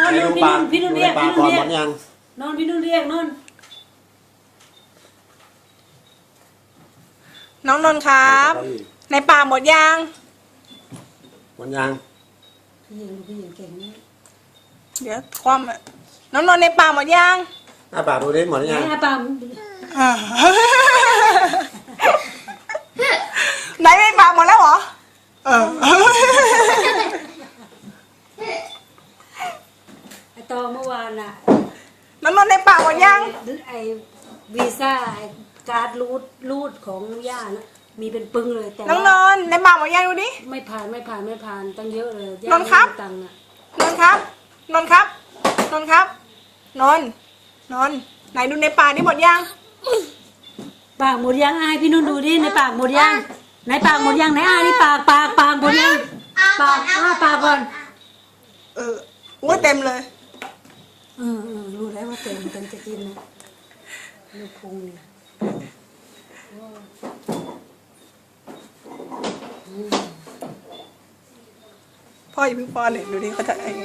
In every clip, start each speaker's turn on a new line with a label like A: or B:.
A: อนนอนพี่นุ่นเรียกพี่นุ่นเรียกนอนพี่นุ่นเรียกนอน
B: น้องนนท์ครับในป่าหมดยัง
A: พี่ยังเก่งนี่
B: เดี๋ยวความน้องนนท์ในป่าหมดยัง
A: ปากดูดิหมดยังปาก
B: ไหนในป่าหมดแล้วเหรอ
A: ตอเมื่อวานน่ะ
B: น้องนนท์ในป่าหมดยัง
A: ไอวีซ่าการ์ดรูดของย่านะมีเป็นปึ้งเลยแต่
B: น้องนนท์ในป่าหมดยังดูดิ
A: ไม่ผ่านตั้งเยอะเลย
B: นนท์ครับนนท์ครับนนท์ครับนนท์ครับนนท์ไหนดูในป่านี่หมดยัง
A: ปากหมดยังพี่นุ่นดูดิในปากหมดยังในปากหมดยังไหนนี่ปากหมดยังปากก่อน
B: ว่าเต็มเลย
A: รู้แล้วว่าเต็มจะกินนะลูกพุงเนี่ย
B: พ่ออย่าเพิ่งป้อนเลยดูดิเขาจะอะไร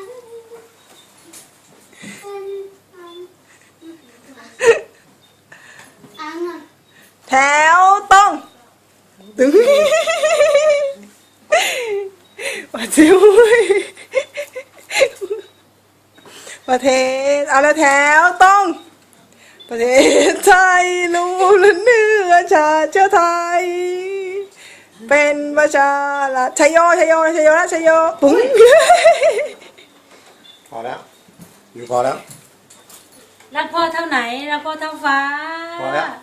B: แถวต้องตึงว่าจิ้วประเทศเอาละแถวต้องประเทศไทยรู้และเนื้อชาติไทยเป็นประชาละชัยโยนะชัยโยปุ้ง
A: พอแล้วอยู่พอแล้วรักพ่อเท่าไหนรักพ่อเท่าฟ้าพอแล้ว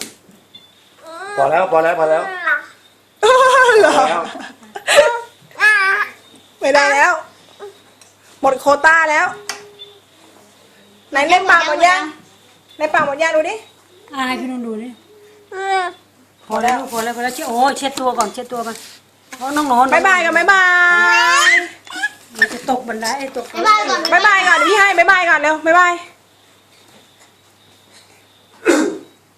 B: ไม่ได้แล้วหมดโควต้าแล้วไหนเล่นปากหมดยังในปากหมดยังดูดิ
A: ให้พี่นุ่นดูดิพอแล้วเช็ดตัวก่อนเพราะน้อง
B: บ๊ายบายกันบ๊ายบาย
A: มันจะตกบันไดตก
B: บ๊ายบายก่อนเดี๋ยวพี่ให้บ๊ายบายก่อนเร็วบ๊ายบาย